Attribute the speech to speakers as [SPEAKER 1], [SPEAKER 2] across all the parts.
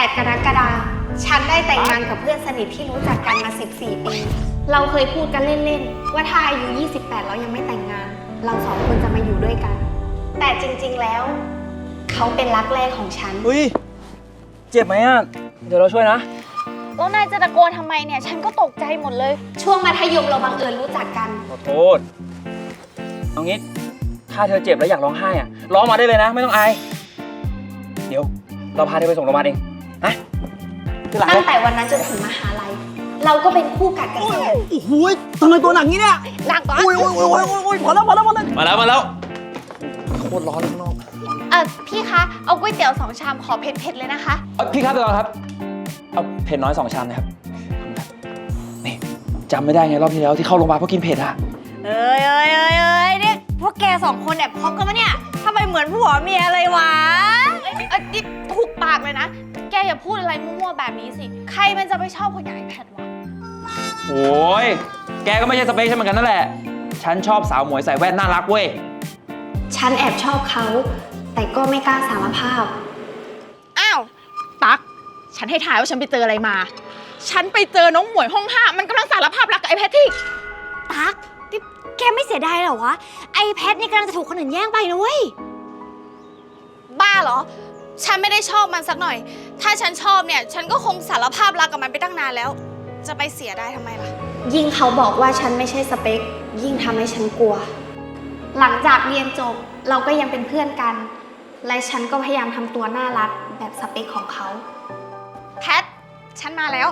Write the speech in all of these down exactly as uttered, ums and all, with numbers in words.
[SPEAKER 1] ดกรกฎาคมฉันได้แต่งงานกับเพื่อนสนิทที่รู้จักกันมาสิบสี่ปีเราเคยพูดกันเล่นๆว่าถ้าอายุยี่สิบแปดแล้วยังไม่แต่งงานเราสองคนจะมาอยู่ด้วยกันแต่จริงๆแล้วเขาเป็นรักแรกของฉัน
[SPEAKER 2] อุ้ยเจ็บไหมอ่ะเดี๋ยวเราช่วยนะ
[SPEAKER 1] แล้วนายจะตะโกนทำไมเนี่ยฉันก็ตกใจหมดเลยช่วงมัธยมเราบังเอิญรู้จักกัน
[SPEAKER 2] ขอโทษเอางี้ถ้าเธอเจ็บแล้วอยากร้องไห้อ่ะร้องมาได้เลยนะไม่ต้องอายเดี๋ยวเราพาเธอไปส่งโรงพยาบาลเองนะ
[SPEAKER 1] ตั้งแต่วันนั้นจนถึงมหาลัยเราก็เป็นคู่กัดกันเลย
[SPEAKER 2] โอ้โหทำไมตัวหนักงี้เนี่ย
[SPEAKER 1] หนักก่อน
[SPEAKER 2] โอ้ยโอ้ยโอ้ยโอ้ยพอแล้วพอแล้วพอแล้วมาแล้วมาแล้วโคตรร้อนข้างนอก
[SPEAKER 1] เออพี่คะเอาก๋วยเตี๋ยวสองชามขอเผ็ดๆเลยนะคะ
[SPEAKER 2] พี่ครับเดี๋ยวก่อนครับเอาเผ็ดน้อยสองชามนะครับนี่จำไม่ได้ไงรอบที่แล้วที่เข้าโรงพยาบาลเพราะกินเผ็ดอะ
[SPEAKER 1] เอ้ยเอ้ยเอ้ยเอ้ยเนี่ยพวกแกสองคนแอบคบกันปะเนี่ยทำไมเหมือนผัวเมียเลยวะเอ้ยเอ้ยนี่ถูกปากเลยนะแกอย่าพูดอะไรมั่วๆแบบนี้สิใครมันจะไปชอบคนอย่างไอ้แพทวะ
[SPEAKER 2] โอ้ยแกก็ไม่ใช่สเปคฉันเหมือนกันนั่นแหละฉันชอบสาวหมวยใส่แว่นน่ารักเว้ย
[SPEAKER 1] ฉันแอบชอบเขาแต่ก็ไม่กล้าสารภาพอ้าวตั๊กฉันให้ทายว่าฉันไปเจออะไรมาฉันไปเจอน้องหมวยห้องห้ามันกำลังสารภาพรักกับไอ้แพทที่ตั๊กแกไม่เสียดายเหรอวะไอ้แพทนี่กำลังจะถูกคนอื่นแย่งไปนะเว้ยบ้าเหรอฉันไม่ได้ชอบมันสักหน่อยถ้าฉันชอบเนี่ยฉันก็คงสารภาพรักกับมันไปตั้งนานแล้วจะไปเสียได้ทำไมล่ะยิ่งเขาบอกว่าฉันไม่ใช่สเปคยิ่งทำให้ฉันกลัวหลังจากเรียนจบเราก็ยังเป็นเพื่อนกันและฉันก็พยายามทำตัวน่ารักแบบสเปคของเขาแพทฉันมาแล้ว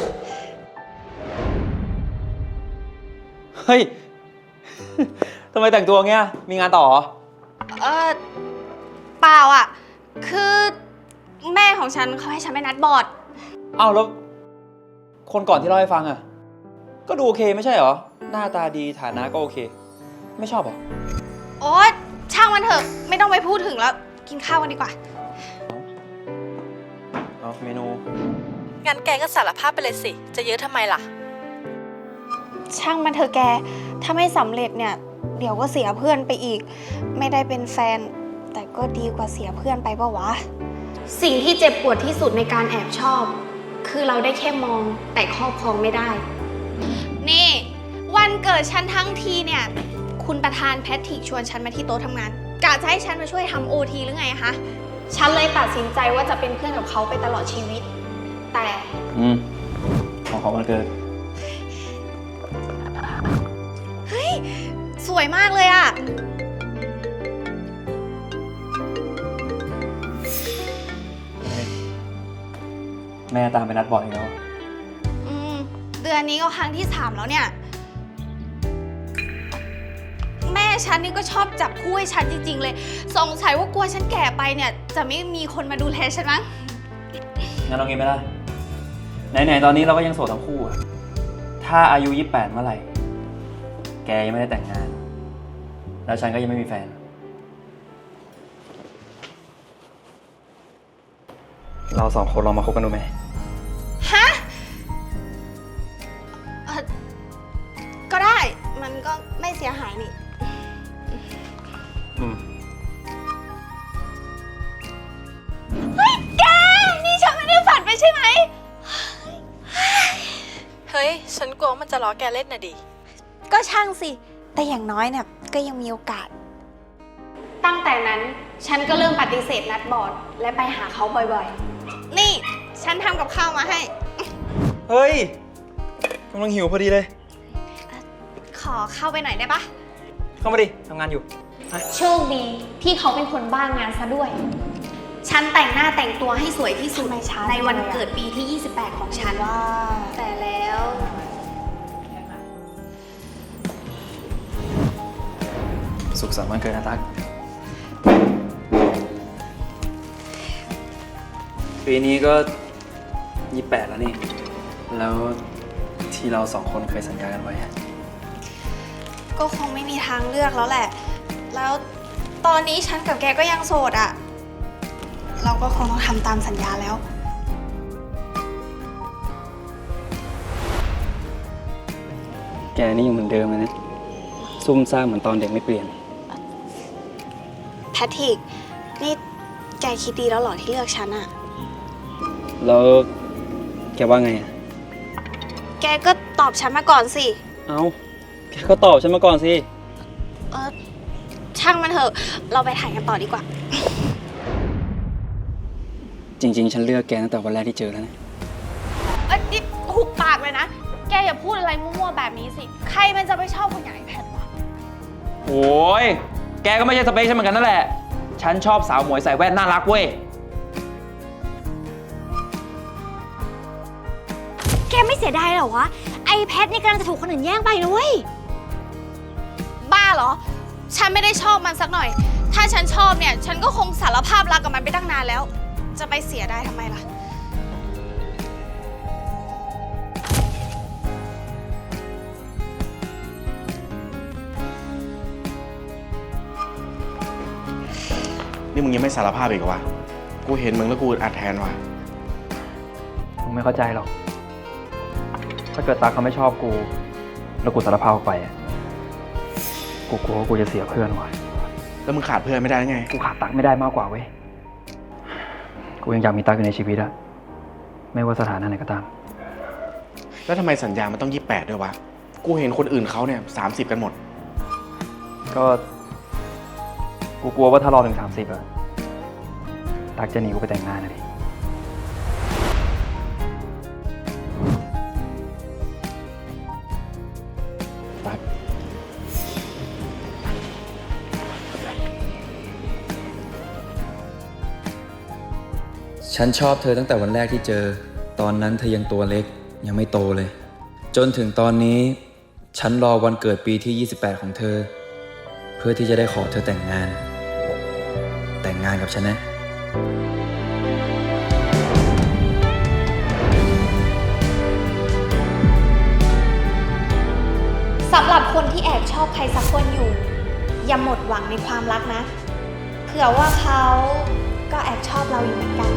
[SPEAKER 2] เฮ้ยทำไมแต่งตัวเงี้ยมีงานต่อ
[SPEAKER 1] เออเปล่าอ่ะคือแม่ของฉันเขาให้ฉันไปนัดบอร์ด
[SPEAKER 2] เอ้าแล้วคนก่อนที่เล่าให้ฟังอ่ะก็ดูโอเคไม่ใช่เหรอหน้าตาดีฐานะก็โอเคไม่ชอบเหรอ
[SPEAKER 1] โอ๊ยช่างมันเถอะไม่ต้องไปพูดถึงแล้วกินข้าวกันดีกว่า
[SPEAKER 2] เอาเมนู
[SPEAKER 3] งั้นแกก็สารภาพไปเลยสิจะเยอะทำไมล่ะ
[SPEAKER 1] ช่างมันเถอะแกถ้าไม่สำเร็จเนี่ยเดี๋ยวก็เสียเพื่อนไปอีกไม่ได้เป็นแฟนแต่ก็ดีกว่าเสียเพื่อนไปปะวะสิ่งที่เจ็บปวดที่สุดในการแอบชอบคือเราได้แค่มองแต่ครอบครองไม่ได้นี่วันเกิดฉันทั้งทีเนี่ยคุณประธานแพทริกชวนฉันมาที่โต๊ะทำงานกะจะให้ฉันมาช่วยทำโอทีหรือไงคะฉันเลยตัดสินใจว่าจะเป็นเพื่อนกับเขาไปตลอดชีวิตแต่
[SPEAKER 2] อืมของเขาวันเกิด
[SPEAKER 1] เฮ้ยสวยมากเลยอะ
[SPEAKER 2] แม่ตามไปนัดบ่อยแล้ว
[SPEAKER 1] อืมเดือนนี้ก็ครั้งที่สามแล้วเนี่ยแม่ฉันนี่ก็ชอบจับคู่ให้ฉันจริงๆเลยสงสัยว่ากลัวฉันแก่ไปเนี่ยจะไม่มีคนมาดูแลฉันมั้ง
[SPEAKER 2] งั้นเอางี้ไหมล่ะไหนๆตอนนี้เราก็ยังโสดทั้งคู่อะถ้าอายุยี่สิบแปดเมื่อไหร่แกยังไม่ได้แต่งงานแล้วฉันก็ยังไม่มีแฟนเราสองคนลองมาคบกันดูไหม
[SPEAKER 1] ฮะเออก็ได้มันก็ไม่เสียหายนี่
[SPEAKER 2] อืม
[SPEAKER 1] เฮ้ยแกนี่ฉันไม่ได้ฝันไปใช่ไหม
[SPEAKER 3] เฮ้ยฉันกลัวมันจะล้อแกเล่นน่ะดิ
[SPEAKER 1] ก็ช่างสิแต่อย่างน้อยเนี่ยก็ยังมีโอกาสตั้งแต่นั้นฉันก็เริ่มปฏิเสธนัดบอร์ดและไปหาเขาบ่อยๆนี่ฉันทำกับข้าวมาให้
[SPEAKER 2] เฮ้ยกำลังหิวพอดีเลย
[SPEAKER 1] ขอเข้าไปหน่อยได้ปะ
[SPEAKER 2] เข้ามาดิทำงานอยู่
[SPEAKER 1] โชคดีที่เขาเป็นคนบ้างงานซะด้วยฉันแต่งหน้าแต่งตัวให้สวยที่สุดในวันเกิดปีที่ยี่สิบแปดของฉันว่าแต่แล้ว
[SPEAKER 2] สุขสันต์วันเกิดนะตั๊กปีนี้ก็ยี่สิบแปดแล้วนี่แล้วที่เราสองคนเคยสัญญากันไว้
[SPEAKER 1] ก็คงไม่มีทางเลือกแล้วแหละแล้วตอนนี้ฉันกับแกก็ยังโสดอ่ะเราก็คงต้องทำตามสัญญาแล้ว
[SPEAKER 2] แกนี่ยังเหมือนเดิมเลยนะซุ่มซ่ามเหมือนตอนเด็กไม่เปลี่ยน
[SPEAKER 1] แพทริกนี่แกคิดดีแล้วหรอที่เลือกฉันอะ
[SPEAKER 2] แล้วแกว่าไงอะ
[SPEAKER 4] แกก็ตอบฉันมาก่อนสิ
[SPEAKER 2] เอาแกก็ตอบฉันมาก่อนสิ
[SPEAKER 4] เออช่างมันเถอะ เราไปถ่ายกันต่อดีกว่า
[SPEAKER 2] จริง ๆ ฉันเลือกแกตั้งแต่วันแรกที่เจอแล้วนะ
[SPEAKER 1] เอ้ยนี่หุบปากเลยนะ แกอย่าพูดอะไรมั่วๆแบบนี้สิ ใครมันจะไปชอบคนอย่างไอ้แพทวะ
[SPEAKER 5] โอ้ย แกก็ไม่ใช่สเปคฉันเหมือนกันนั่นแหละ ฉันชอบสาวหมวยใส่แว่นน่ารักเว้ย
[SPEAKER 4] แกไม่เสียดายเหรอวะ ไอแพทนี่กำลังจะถูกคนอื่นแย่งไปนะเว้ย
[SPEAKER 1] บ้าเหรอ ฉันไม่ได้ชอบมันสักหน่อย ถ้าฉันชอบเนี่ย ฉันก็คงสารภาพรักกับมันไปตั้งนานแล้ว จะไปเสียได้ทำไมล่ะ
[SPEAKER 6] นี่มึงยังไม่สารภาพอีกเหรอวะ กูเห็นมึงแล้วกูอัดแทนว่ะ
[SPEAKER 2] มึงไม่เข้าใจหรอก ถ้าเกิดตาเขาไม่ชอบกู แล้วกูสารภาพออกไปอะกูกลัวว่ากูจะเสียเพื่อนว่ะ
[SPEAKER 6] แล้วมึงขาดเพื่อนไม่ได้ไง
[SPEAKER 2] กูขาดตักไม่ได้มากกว่าเว้ย กูยังอยากมีตักอยู่ในชีวิตอะไม่ว่าสถานะไหนก็ตาม
[SPEAKER 6] แล้วทำไมสัญญามันต้องยี่สิบแปดด้วยวะ กูเห็นคนอื่นเขาเนี่ยสามสิบกันหมด
[SPEAKER 2] ก็ กูกลัวว่าถ้ารอถึงสามสิบอะตักจะหนีกูไปแต่งงานนะดิ
[SPEAKER 6] ตั๊ก
[SPEAKER 7] ฉันชอบเธอตั้งแต่วันแรกที่เจอ ตอนนั้นเธอยังตัวเล็กยังไม่โตเลย จนถึงตอนนี้ ฉันรอวันเกิดปีที่ยี่สิบแปดของเธอ เพื่อที่จะได้ขอเธอแต่งงาน แต่งงานกับฉันนะ
[SPEAKER 4] สำหรับคนที่แอบชอบใครสักคนอยู่ อย่าหมดหวังในความรักนะ เผื่อว่าเขาก็แอบชอบเราอยู่เหมือนกัน